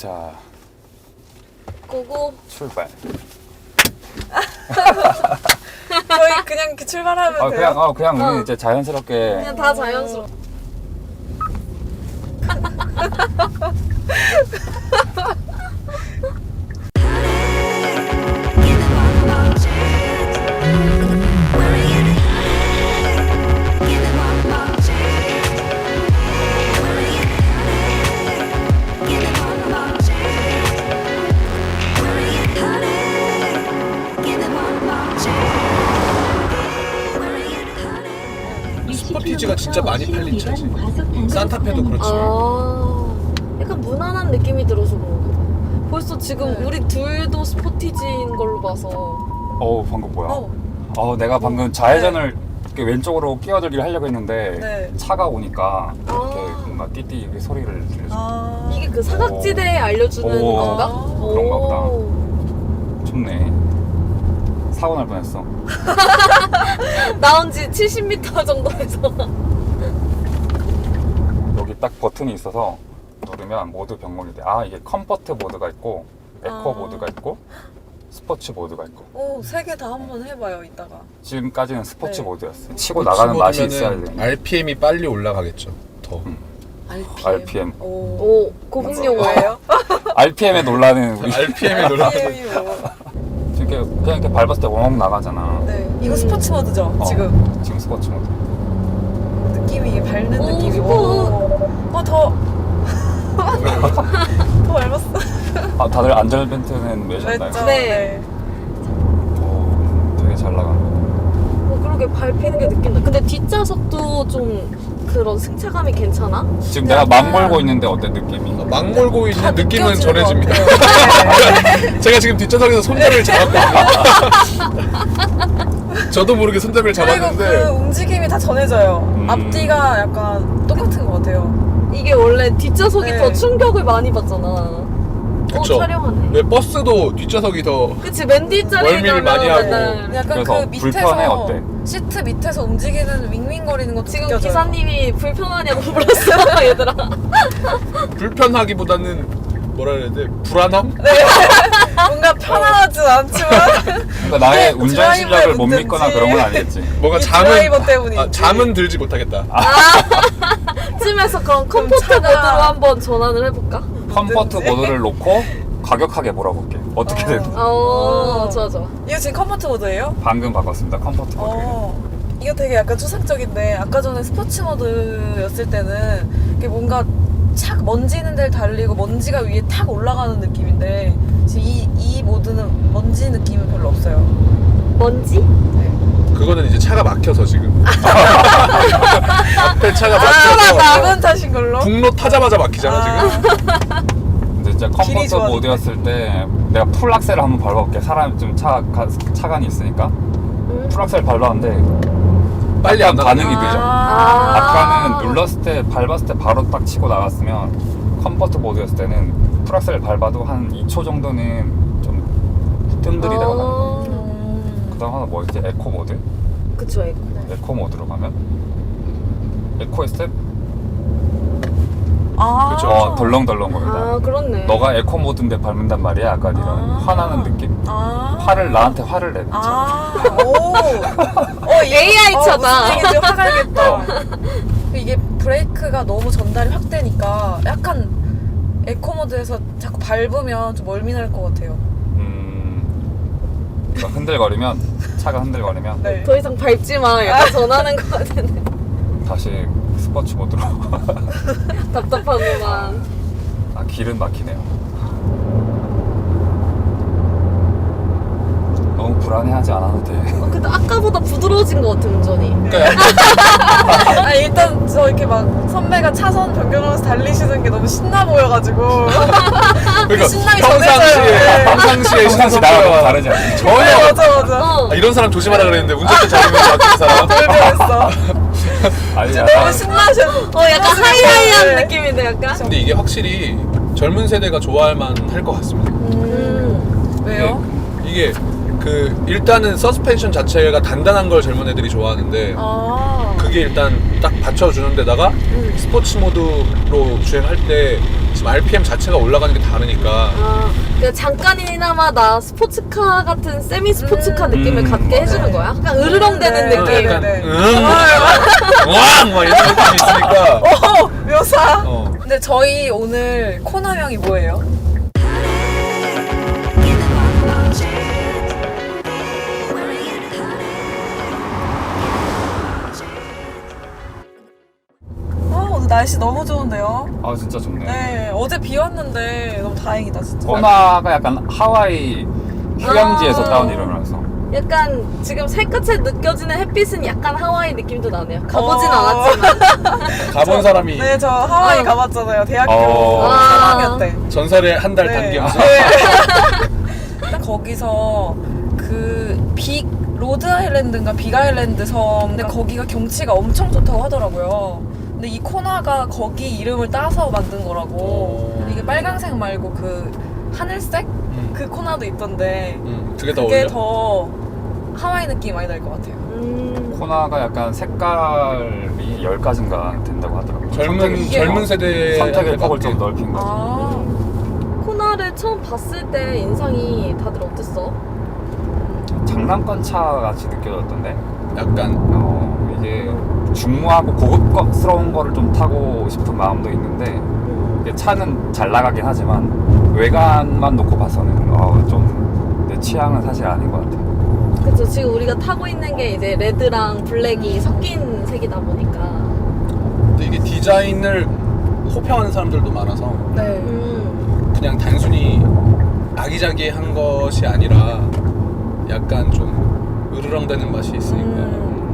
자, 고고. 출발. 저희 그냥 이렇게 출발하면 돼요? 그냥 우리 이제 자연스럽게. 그냥 다 자연스러워. 스포티지가 진짜 많이 팔린 차지. 산타페도 그렇지만. 아, 약간 무난한 느낌이 들어서 그런가 봐. 벌써 지금 우리 둘도 스포티지인 걸로 봐서. 어우, 방금 뭐야? 내가 방금 좌회전을 이렇게 왼쪽으로 끼어들기를 하려고 했는데 네. 차가 오니까 이렇게 뭔가 띠띠 이렇게 소리를 들려줘. 이게 그 사각지대에 알려주는 오. 건가? 그런가 보다. 오. 좋네. 사고 날 뻔했어. 나온 지 70m 정도에서. 여기 딱 버튼이 있어서 누르면 모드 변경이 돼. 이게 컴포트 모드가 있고 에코 모드가 있고 스포츠 모드가 있고. 오, 세 개 다 한번 해봐요, 이따가. 지금까지는 스포츠 네. 모드였어요. 치고 나가는 맛이 있어야 돼. RPM이 빨리 올라가겠죠. 더. RPM. 오, 고급 용어예요? RPM에 놀라는 우리. RPM이 놀라. RPM이 뭐. 그냥 이렇게 밟았을 때 엉엉 나가잖아. 네. 이거 스포츠 모드죠, 지금 스포츠 모드. 느낌이, 이게 밟는 오, 느낌이. 스포츠. 더 밟았어. 다들 안전벨트는 매셨나요? 랬죠? 네. 되게 잘 나가. 그러게 밟히는 게 느낀다. 근데 뒷좌석도 좀 그런 승차감이 괜찮아? 지금 내가 막 몰고 있는데 어때 느낌이? 막 몰고 있는 다 느낌은 느껴지는 전해집니다. 것 같아요. 제가 지금 뒷좌석에서 손잡이를 잡았거든요. 저도 모르게 손잡이를 그리고 그 잡았는데 움직임이 다 전해져요. 앞뒤가 약간 똑같은 것 같아요. 이게 원래 뒷좌석이 네. 더 충격을 많이 받잖아. 그쵸. 촬영하네. 왜 버스도 뒷좌석이 더 그치, 맨 뒷자리에 멀미를 많이 하고. 약간 그래서 그 밑에서 불편해, 어때? 시트 밑에서 움직이는 윙윙거리는 것도 지금 느껴져요. 기사님이 불편하냐고 물었어, 얘들아. 불편하기보다는 뭐라 그래야 돼? 불안함? 뭔가 편하진 않지만 그러니까 나의 운전 드라이버의 실력을 못 문제인지. 믿거나 그런 건 아니겠지. 뭔가 이 잠은 드라이버 때문인지. 잠은 들지 못하겠다. 쯤에서 그럼 컴포트 차가- 모드로 한번 전환을 해볼까? 컴포트 모드를 놓고 과격하게 몰아볼게. 어떻게 되는지. 좋아, 좋아. 이거 지금 컴포트 모드예요? 방금 바꿨습니다. 컴포트 모드. 이거 되게 약간 추상적인데 아까 전에 스포츠 모드였을 때는 이게 뭔가 착 먼지 있는 데를 달리고 먼지가 위에 탁 올라가는 느낌인데 지금 이 모드는 먼지 느낌은 별로 없어요. 먼지? 그거는 이제 차가 막혀서 지금. 앞에 차가 차가 막혀서 막은 탓인 걸로? 북로 타자마자 막히잖아 지금. 근데 진짜 길이 컴포트 좋아졌네. 모드였을 때 내가 풀 악셀을 한번 밟아볼게. 사람 좀 차간이 있으니까 풀 악셀 밟았는데 빨리 안 반응이 나가네. 늦어. 아까는 눌렀을 때 밟았을 때 바로 딱 치고 나갔으면 컴포트 모드였을 때는 풀 악셀 밟아도 한 2초 정도는 좀 뜸들이다가 나가. 그다음 하나 뭐 있지? 에코 모드? 그쵸, 에코. 에코 모드로 가면 에코 스텝? 그쵸. 덜렁덜렁 거리다. 그렇네. 너가 에코 모드인데 밟는단 말이야. 약간 이런 화나는 느낌? 나한테 화를 내. AI 차다. 무슨 얘기인지 화가 나겠다. 이게 브레이크가 너무 전달이 확 되니까 약간 에코 모드에서 자꾸 밟으면 좀 멀미 날 것 같아요. 그러니까 흔들거리면 차가 흔들거리면 네. 더 이상 밟지 마. 약간 전하는 것 같은데. 다시 스포츠 모드로. 답답하구만. 길은 막히네요. 너무 불안해하지 않아도 돼. 근데 아까보다 부드러워진 것 같아, 운전이. 일단 저 이렇게 막 선배가 차선 변경하면서 달리시는 게 너무 신나 보여가지고 그러니까 신나게 평상시에 전해져요. 평상시에 평상시 나랑 다르지 않아? 전혀 맞아. 이런 사람 조심하라 그랬는데 운전대 잡으면 막히는 사람. 돌변했어. 아니, 너무 신나셔. 약간 하이하이한 네. 느낌인데, 약간? 근데 이게 확실히 젊은 세대가 좋아할 만할 것 같습니다. 왜요? 이게 그 일단은 서스펜션 자체가 단단한 걸 젊은 애들이 좋아하는데 그게 일단 딱 받쳐주는 데다가 스포츠 모드로 주행할 때 지금 RPM 자체가 올라가는 게 다르니까. 아, 그러니까 잠깐이나마 나 스포츠카 같은 세미 스포츠카 느낌을 갖게 해주는 거야? 약간 으르렁대는 네, 느낌. 네, 네. 왕! 막 이런 느낌이 있으니까. 묘사. 어. 근데 저희 오늘 코너명이 뭐예요? 오늘 날씨 너무 좋은데요? 아 진짜 좋네. 네, 어제 비 왔는데 너무 다행이다 진짜. 코나가 약간 하와이 휴양지에서 아. 따온 이름이라서. 약간 지금 살갗에 느껴지는 햇빛은 약간 하와이 느낌도 나네요. 가보진 어. 않았지만. 가본 사람이 네, 저 하와이 아. 가봤잖아요. 대학교 아. 3학년 때. 전설의 한 달 네. 단기면서. 딱 거기서 그 로드 아일랜드인가 빅 아일랜드 섬. 근데 거기가 경치가 엄청 좋다고 하더라고요. 근데 이 코나가 거기 이름을 따서 만든 거라고. 이게 빨강색 말고 그 하늘색? 그 코나도 있던데 그게 더 그게 어울려? 더 하와이 느낌이 많이 날 것 같아요. 코나가 약간 색깔이 10가지인가 된다고 하더라고요. 젊은 세대의 선택의 폭을 좀 넓힌 거지. 아, 코나를 처음 봤을 때 인상이 다들 어땠어? 장난감 차 같이 느껴졌던데. 약간 이게 중후하고 고급스러운 거를 좀 타고 싶은 마음도 있는데 이게 차는 잘 나가긴 하지만 외관만 놓고 봐서는 좀 내 취향은 사실 아닌 것 같아. 그쵸, 지금 우리가 타고 있는 게 이제 레드랑 블랙이 섞인 색이다 보니까. 근데 이게 디자인을 호평하는 사람들도 많아서 네. 그냥 단순히 아기자기한 것이 아니라 약간 좀 으르렁대는 맛이 있으니까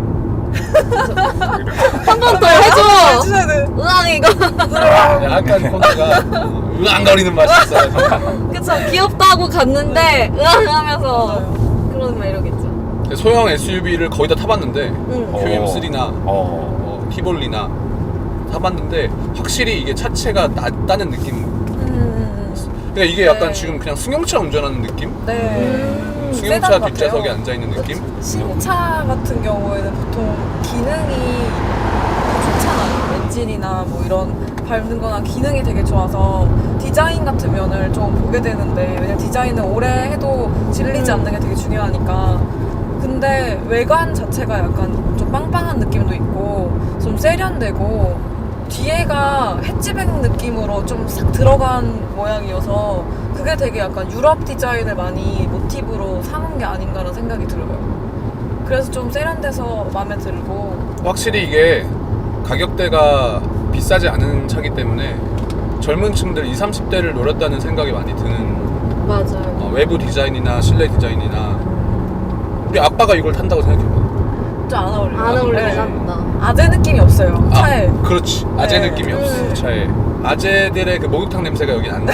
한 번 더 해줘! 해줘야 돼. 으앙, 이거. 약간 코너가 으앙거리는 맛이 있어요. 그쵸, 귀엽다 하고 갔는데, 으앙 하면서. 그런 매력있죠. 소형 SUV를 거의 다 타봤는데 응. QM3나 티볼리나 타봤는데 확실히 이게 차체가 낮다는 느낌. 그러니까 이게 약간 네. 지금 그냥 승용차 운전하는 느낌? 네. 승용차 세단 뒷좌석에 같아요. 앉아있는 느낌? 신차 같은 경우에는 보통 기능이 좋잖아요. 엔진이나 뭐 이런 밟는 거나 기능이 되게 좋아서 디자인 같은 면을 좀 보게 되는데, 왜냐면 디자인은 오래 해도 질리지 않는 게 되게 중요하니까. 근데 외관 자체가 약간 좀 빵빵한 느낌도 있고 좀 세련되고 뒤에가 해치백 느낌으로 좀 싹 들어간 모양이어서 그게 되게 약간 유럽 디자인을 많이 모티브로 삼은 게 아닌가라는 생각이 들어요. 그래서 좀 세련돼서 마음에 들고. 확실히 이게 가격대가 비싸지 않은 차기 때문에 젊은 층들 20, 30대를 노렸다는 생각이 많이 드는 맞아요. 외부 디자인이나 실내 디자인이나 우리 아빠가 이걸 탄다고 생각해봐. 좀 안 어울려요. 안 어울리긴 네. 한다. 아재 느낌이 없어요, 차에. 그렇지. 아재 네. 느낌이 없어 차에. 아재들의 그 목욕탕 냄새가 여기 안 나.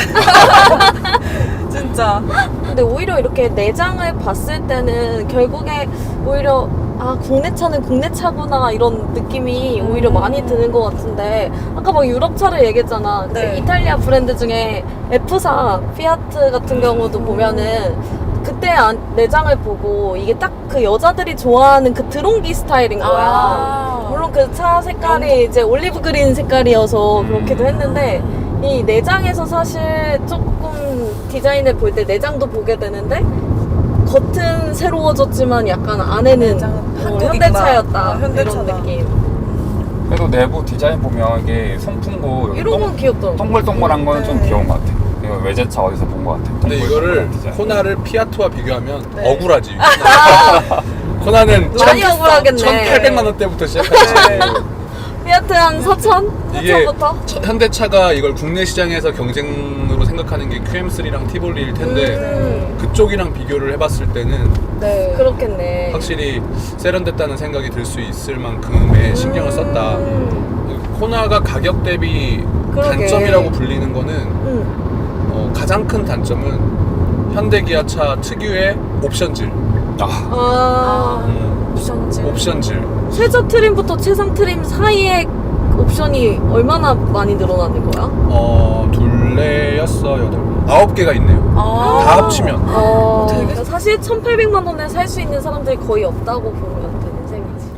진짜. 근데 오히려 이렇게 내장을 봤을 때는 결국에 오히려 국내 차는 국내 차구나 이런 느낌이 오히려 많이 드는 것 같은데, 아까 막 유럽 차를 얘기했잖아. 그 네. 이탈리아 브랜드 중에 F사 피아트 같은 경우도 보면은 그때 내장을 보고 이게 딱 그 여자들이 좋아하는 그 드롱기 스타일인 거야. 물론 그 차 색깔이 이제 올리브 그린 색깔이어서 그렇기도 했는데, 이 내장에서 사실 조금 디자인을 볼 때 내장도 보게 되는데 겉은 새로워졌지만 약간 안에는 내장은 한국이구나. 현대차였다. 현대차다. 이런 느낌. 그래도 내부 디자인 보면 이게 송풍구 여기 이런 건 귀엽더라고. 동글동글한 거는 좀 네. 귀여운 것 같아. 이거 외제차 어디서 본 것 같아. 근데 이거를 동글동글한 디자인. 코나를 피아트와 비교하면 네. 억울하지. 코나는 많이 억울하겠네. 1,800만 원대부터 시작하지. 피아트 한 4천? 이게 4천부터? 현대차가 이걸 국내 시장에서 경쟁으로 생각하는 게 QM3랑 티볼리일 텐데 그쪽이랑 비교를 해봤을 때는 네. 그렇겠네. 확실히 세련됐다는 생각이 들 수 있을 만큼의 신경을 썼다. 코나가 가격 대비 그러게. 단점이라고 불리는 거는 가장 큰 단점은 현대기아차 특유의 옵션질. 옵션질. 옵션질. 최저 트림부터 최상 트림 사이에 옵션이 얼마나 많이 늘어나는 거야? 둘레였어, 9개가 있네요. 다 합치면. 그러니까 사실 1,800만 원에 살 수 있는 사람들이 거의 없다고 보면 되는 셈이지.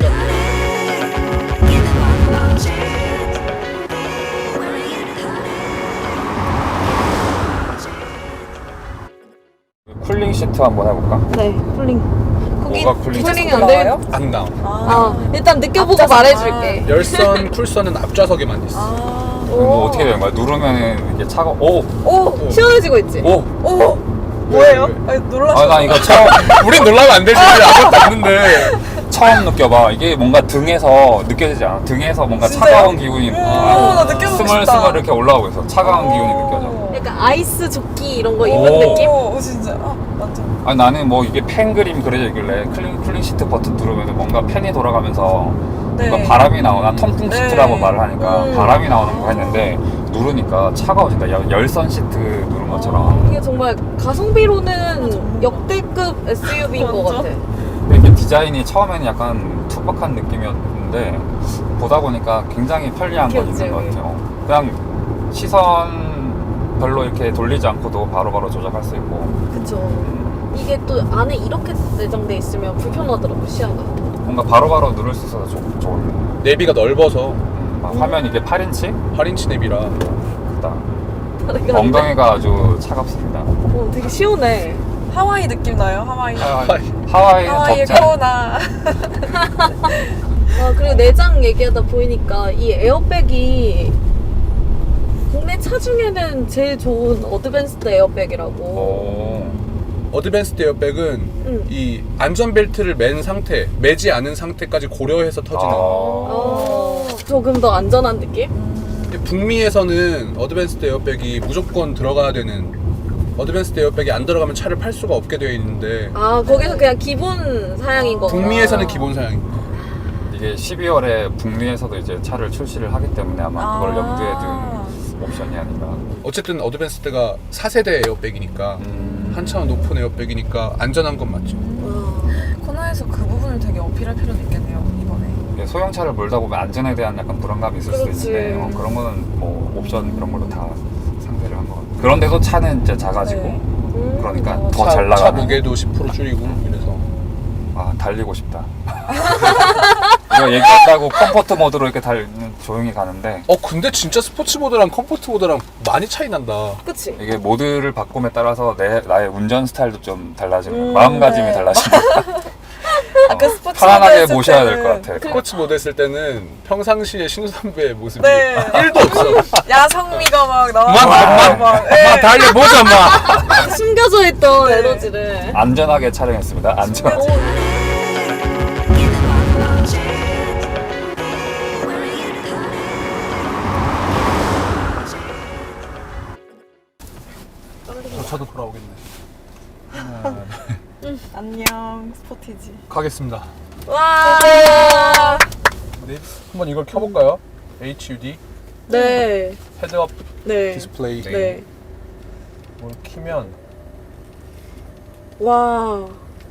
쿨링 시트 한번 해볼까? 네, 쿨링. 거기 뭐가 쿨링 쿨링이 시트가 안 돼. 나와요? 안 나와. 일단 느껴보고 앞좌석. 말해줄게. 열선 쿨선은 앞좌석에만 있어. 뭐 어떻게 되는 거야? 누르면은 이게 차가 오! 시원해지고 있지? 오! 오! 뭐예요? 왜? 아니, 놀라셨어. 아, 나 이거 처음 우린 놀라면 안 되지. 우리 아무것도 없는데. 처음 느껴봐. 이게 뭔가 등에서 느껴지지 않아? 등에서 뭔가 진짜요? 차가운 기운이 나 느껴보고 싶다. 스멀스멀 이렇게 올라오고 있어. 차가운 기운이 느껴져. 약간 아이스 조끼 이런 거 오. 입은 느낌? 오, 진짜. 완전. 아니 나는 뭐 이게 팬 그림 그려져 있길래 쿨링 시트 버튼 누르면 뭔가 팬이 돌아가면서 네. 뭔가 바람이 나오나 통풍 네. 시트라고 말을 하니까 음. 바람이 나오는 거 했는데 누르니까 차가워진다. 열선 시트 누른 것처럼. 이게 정말 가성비로는 역대급 SUV인 것 완전. 같아. 근데 이게 디자인이 처음에는 약간 투박한 느낌이었는데 보다 보니까 굉장히 편리한 건 귀엽지, 있는 것 여기. 같아요. 그냥 시선 별로 이렇게 돌리지 않고도 바로바로 조작할 수 있고 그쵸. 이게 또 안에 이렇게 내장돼 있으면 불편하더라고, 시야가. 뭔가 바로바로 누를 수 있어서 좋은. 내비가 넓어서 막 화면 이게 8인치? 8인치 내비라. 크다. 다리가 엉덩이가 아주 차갑습니다. 되게 시원해. 하와이 느낌 나요? 하와이. 하와이는 하와이의 덥지 않아? 코나. 그리고 내장 얘기하다 보니까 이 에어백이 국내 차 중에는 제일 좋은 어드밴스드 에어백이라고. 오. 어드밴스드 에어백은 이 안전벨트를 맨 상태, 매지 않은 상태까지 고려해서 터지는. 조금 더 안전한 느낌? 북미에서는 어드밴스드 에어백이 무조건 들어가야 되는, 어드밴스드 에어백이 안 들어가면 차를 팔 수가 없게 되어 있는데 거기서 그냥 기본 사양인 거구나. 북미에서는 기본 사양입니다. 이게 12월에 북미에서도 이제 차를 출시를 하기 때문에 아마 그걸 염두에 둔 옵션이 아닌가. 어쨌든 어드밴스드가 4세대 에어백이니까 한참 높은 에어백이니까 안전한 건 맞죠. 코나에서 그 부분을 되게 어필할 필요는 있겠네요, 이번에. 이게 소형차를 몰다 보면 안전에 대한 약간 불안감이 있을 수도 그렇지. 있는데 그런 거는 뭐 옵션 그런 걸로 다 상대를 한 거 같아요. 그런데도 차는 이제 작아지고 네. 그러니까 어, 더 잘 차 나가는. 무게도 10% 줄이고 이래서. 아 달리고 싶다. 이거 얘기한다고 컴포트 모드로 이렇게 조용히 가는데 근데 진짜 스포츠 모드랑 컴포트 모드랑 많이 차이 난다. 그치? 이게 모드를 바꿈에 따라서 나의 운전 스타일도 좀 달라지는 마음가짐이 네. 달라지는 아까 스포츠 편안하게 모드 모셔야 했을 될 것 때는 같아. 스포츠 모드 했을 때는 평상시에 신우 선배의 모습이 네. 1도 없어. 야성미가 막 마 나와서 달려보자 마. 숨겨져 있던 네. 에너지를. 안전하게 촬영했습니다. 안전하게. 저 차도 돌아오겠네. 안녕 스포티지. 가겠습니다. 와. 네, 한번 이걸 켜볼까요? HUD 네. 헤드업 네. 디스플레이. 네. 뭘 키면 와.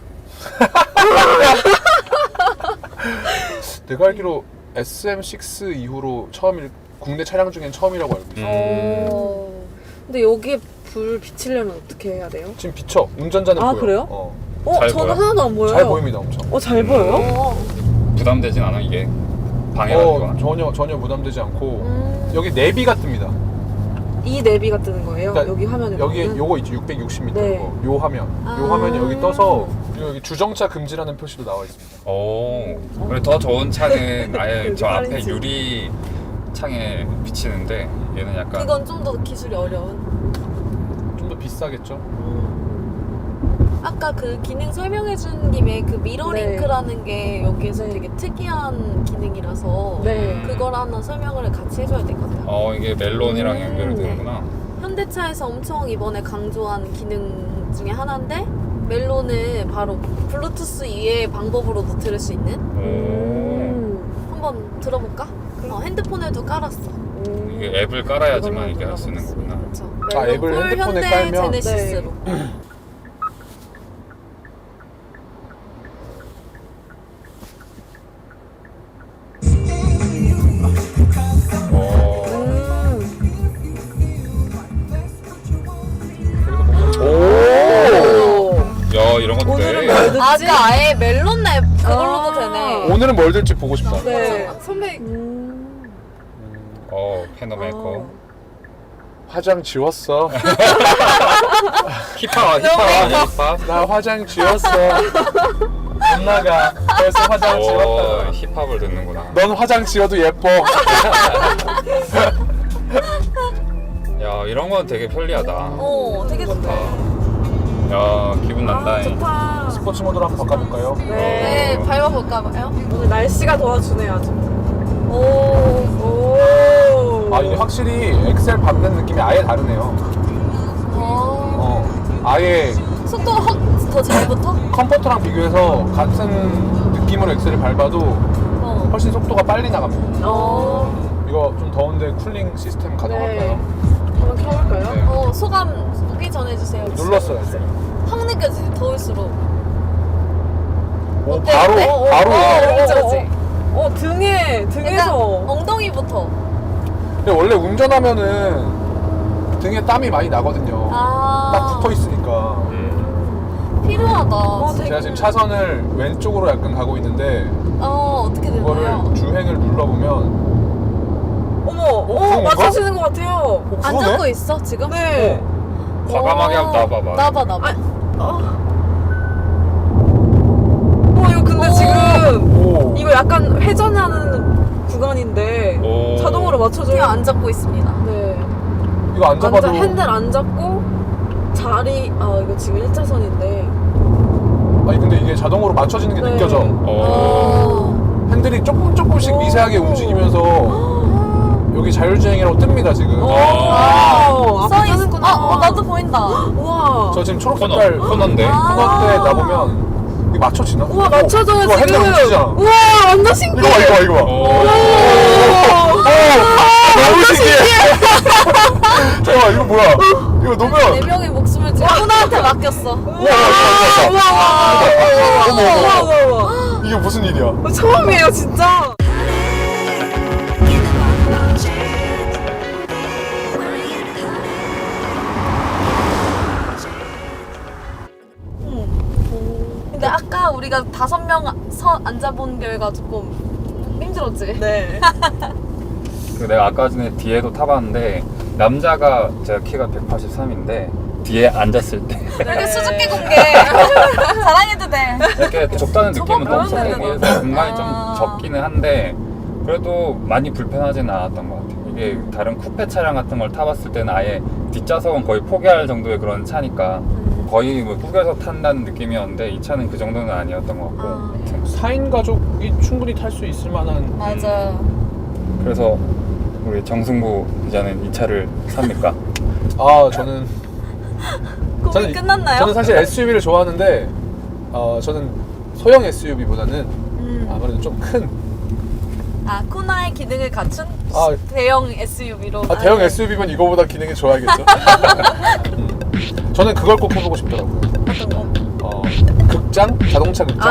내가 알기로 SM6 이후로 국내 차량 중엔 처음이라고 알고 있어. 근데 여기에 불 비치려면 어떻게 해야 돼요? 지금 비쳐. 운전자는 보여. 그래요? 잘 저는 보여? 하나도 안 보여요. 잘 보입니다, 엄청. 잘 보여요? 부담되진 않아 이게 방해가 전혀 부담되지 않고 여기 내비가 뜹니다. 이 내비가 뜨는 거예요? 그러니까 여기 화면에 여기에 보면은? 요거 있죠, 660m 네. 거. 요 화면. 요 화면이 여기 떠서 그리고 여기 주정차 금지라는 표시도 나와 있습니다. 오. 그래 더 좋은 차는 아예 저 앞에 파렌치. 유리 창에 비치는데 얘는 약간 그건 좀 더 기술이 어려운. 좀 더 비싸겠죠? 아까 그 기능 설명해준 김에 그 미러링크라는 게 여기에서 네. 되게 특이한 기능이라서 네. 그걸 하나 설명을 같이 해줘야 될 것 같아요. 이게 멜론이랑 연결이 되는구나. 현대차에서 엄청 이번에 강조한 기능 중에 하나인데 멜론은 바로 블루투스 이외의 방법으로도 들을 수 있는. 한번 들어볼까? 핸드폰에도 깔았어. 이게 앱을 깔아야지만 이게 할 수 있는 거구나. 그렇죠. 앱을 핸드폰에 깔면? 제네시스로. 야 이런 것도 돼. 아까 아예 멜론 앱 그걸로도 되네. 오늘은 뭘 들지 보고 싶다. 네. 선배 패너 메이커. 화장 지웠어. 힙합 아니야 힙합? 나 화장 지웠어. 못 나가. 벌써 화장 오 지웠다. 힙합을 듣는구나. 넌 화장 지워도 예뻐. 야 이런 건 되게 편리하다. 되게 좋다. 야 기분 난다. 좋다. 스포츠 모드로 한번 바꿔볼까요? 네. 밟아볼까봐요. 오늘 날씨가 도와주네요 아주. 오. 아 이게 확실히 엑셀 밟는 느낌이 아예 다르네요. 아예 속도가 확 더 잘 붙어? 컴포트랑 비교해서 같은 느낌으로 엑셀을 밟아도 훨씬 속도가 빨리 나갑니다. 이거 좀 더운데 쿨링 시스템 가능할까요? 한번 켜볼까요? 네. 소감 후기 전해주세요. 눌렀어요. 확 느껴지지, 더울수록. 오, 어때, 바로 어때? 바로. 그렇지. 등에서. 엉덩이부터. 근데 원래 운전하면은 등에 땀이 많이 나거든요. 딱 붙어 있으니까. 필요하다. 제가 지금 차선을 왼쪽으로 약간 가고 있는데 어떻게 되나요? 그거를 주행을 눌러보면 그건 맞춰지는 것 같아요. 안 잡고 있어, 지금? 네. 과감하게 한번 놔봐봐. 나봐. 이거 근데 오. 지금 이거 약간 회전하는 구간인데 오. 자동으로 맞춰줘요. 그냥 안 잡고 있습니다. 네. 이거 안 잡아도 핸들 안 잡고 자리 이거 지금 1차선인데 아니 근데 이게 자동으로 맞춰지는 게 네. 느껴져. 핸들이 조금씩 미세하게 움직이면서 여기 자율주행이라고 뜹니다 지금. 써있구나. 나도 보인다. 우와. 저 지금 초록 색깔 코너인데. 코너 때 나보면 이게 맞춰지나? 우와 맞춰줘요 이거 지금. 핸들 움직이잖아. 우와 완전 신기해. 이거 봐. 오. 너무 신기해. 잠깐만 이거 뭐야? 이거 네 놓으면 명의 목숨을 지금 코너한테 맡겼어. 우와. 이게 무슨 일이야? 처음이에요 진짜. 근데 아까 우리가 5명 앉아본 결과 조금 힘들었지? 네. 내가 아까 전에 뒤에도 타봤는데 남자가 제가 키가 183인데 뒤에 앉았을 때 이렇게 수줍게 공개 자랑해도 돼. 이렇게 좁다는 느낌은 저거 없었고 그러면 그래서 공간이 좀 아. 적기는 한데 그래도 많이 불편하지는 않았던 것 같아요. 이게 다른 쿠페 차량 같은 걸 타봤을 때는 아예 뒷좌석은 거의 포기할 정도의 그런 차니까 거의 뭐 구겨서 탄다는 느낌이었는데 이 차는 그 정도는 아니었던 것 같고 아무튼 4인 가족이 충분히 탈 수 있을 만한. 맞아. 그래서 우리 정승부 기자는 이 차를 삽니까? 아 저는 고민 끝났나요? 저는 사실 SUV를 좋아하는데 저는 소형 SUV보다는 아무래도 좀 큰 코나의 기능을 갖춘 대형 SUV로. 대형 SUV면 이거보다 기능이 좋아야겠죠. 저는 그걸 꼭 해보고 싶더라고요. 어떤 거? 극장? 자동차 극장?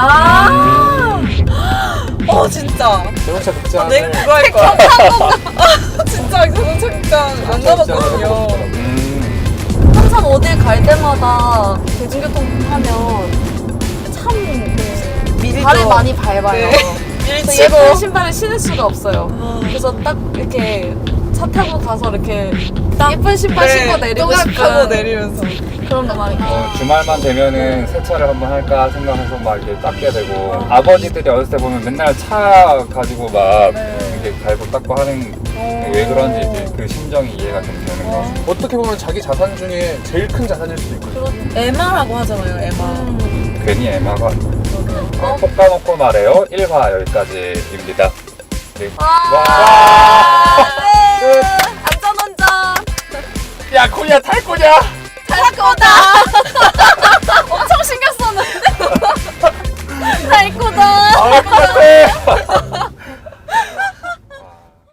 진짜. 자동차 극장을 내 그거 할 거야. 진짜 자동차 극장 안 가봤거든요. 항상 어딜 갈 때마다 대중교통 하면 참 발을 많이 밟아요. 그래서 예쁜 신발을 신을 수가 없어요. 그래서 딱 이렇게 차 타고 가서 이렇게 예쁜 신발 신고 내리고 싶은 내리면서. 그런 거 많이 있어요. 주말만 되면은 세차를 한번 할까 생각해서 막 이렇게 닦게 되고 아버지들이 어렸을 때 보면 맨날 차 가지고 막 이렇게 갈고 닦고 하는 왜 그런지 이제 그 심정이 이해가 좀 되는 거. 어떻게 보면 자기 자산 중에 제일 큰 자산일 수도 있거든요. 에마라고 하잖아요 에마. 괜히 애마가 콕 까놓고 말해요. 1화 여기까지입니다. 네. 안전운전. 야 코리아 탈 거냐? 잘 갖고 오다. 엄청 신경 쓰는.